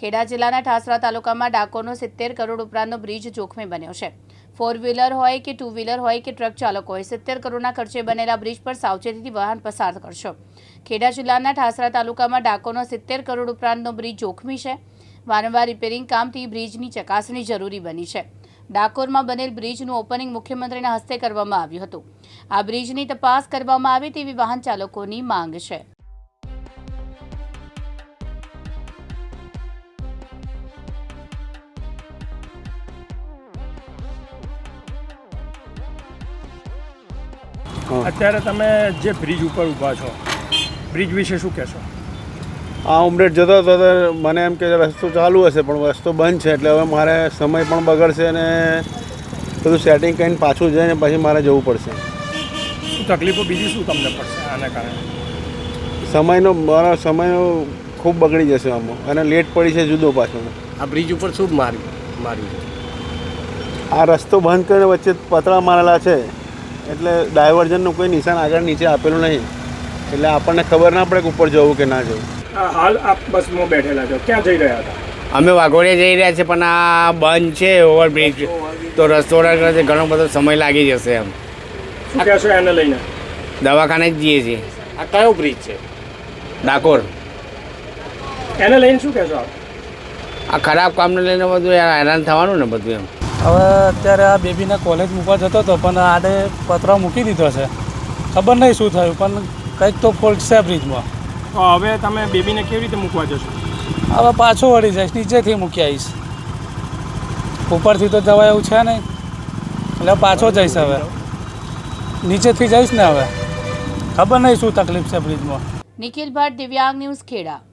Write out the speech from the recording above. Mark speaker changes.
Speaker 1: ખેડા જિલ્લાના ઠાસરા તાલુકામાં ડાકોરનો 70 કરોડ ઉપરાંતનો બ્રિજ જોખમી બન્યો છે। 4 વ્હીલર હોય કે 2 વ્હીલર હોય કે ટ્રક ચાલક હોય 70 કરોડના ખર્ચે બનેલા બ્રિજ પર સાવચેતીથી વાહન પસાર કરશો। ખેડા જિલ્લાના ઠાસરા તાલુકામાં ડાકોરનો 70 કરોડ ઉપરાંતનો બ્રિજ જોખમી છે। વારંવાર રિપેરિંગ કામથી બ્રિજની ચકાસણી જરૂરી બની છે। ડાકોરમાં બનેલ બ્રિજનું ઓપનિંગ મુખ્યમંત્રીના હસ્તે કરવામાં આવ્યું હતું। આ બ્રિજની તપાસ કરવામાં આવે તેવી વાહન ચાલકોની માંગ છે।
Speaker 2: અત્યારે તમે જે બ્રિજ ઉપર ઊભા છો, બ્રિજ વિશે શું કહેશો?
Speaker 3: આ ઉમરેઠ જતો હતો તો મને એમ કે રસ્તો ચાલુ હશે પણ રસ્તો બંધ છે, એટલે હવે મારે સમય પણ બગડશે અને બધું સેટિંગ કરીને પાછું જઈને પછી મારે જવું પડશે।
Speaker 2: શું તકલીફો બીજી શું તમને પડશે આના કારણે?
Speaker 3: મારો સમય ખૂબ બગડી જશે આમાં, અને લેટ પડી છે જુદો પાછો।
Speaker 4: આ બ્રિજ ઉપર શું માર્યું?
Speaker 3: આ રસ્તો બંધ કરીને વચ્ચે પતરા મારેલા છે, એટલે ડાયવર્ઝનનું કોઈ નિશાન આગળ નીચે આપેલું નહીં, એટલે આપણને ખબર ના પડે કે ઉપર જવું કે ના જવું।
Speaker 2: હાલ આપ બસમાં બેઠેલા છો, ક્યાં જઈ રહ્યા હતા?
Speaker 4: અમે વાઘોડિયા જઈ રહ્યા છીએ, પણ આ બંધ છે ઓવરબ્રિજ, તો રસ્તો ઘણો બધો સમય લાગી જશે એમ।
Speaker 2: શું કહેશો એને લઈને?
Speaker 4: દવાખાને જ જઈએ છીએ। આ કયો બ્રિજ છે? ડાકોર।
Speaker 2: એને લઈને શું કહેશો આપ?
Speaker 4: આ ખરાબ કામને લઈને બધું હેરાન થવાનું ને બધું એમ।
Speaker 5: હવે અત્યારે આ બેબીને કોલેજ મૂકવા જતો હતો, પણ આડે પતરા મૂકી દીધો છે, ખબર નહીં શું થયું, પણ કંઈક તો ફોલ્ટ છે બ્રિજમાં।
Speaker 2: તો હવે તમે બેબીને કેવી રીતે મૂકવા જશો?
Speaker 5: હવે પાછો વળી જઈશ, નીચેથી મૂકી આવીશ, ઉપરથી તો જવાય એવું છે નહીં, એટલે પાછો જઈશ। હવે નીચેથી જઈશ ને, હવે ખબર નહીં શું તકલીફ છે બ્રિજમાં।
Speaker 1: નિખિલ ભટ્ટ, દિવ્યાંગ ન્યૂઝ, ખેડા।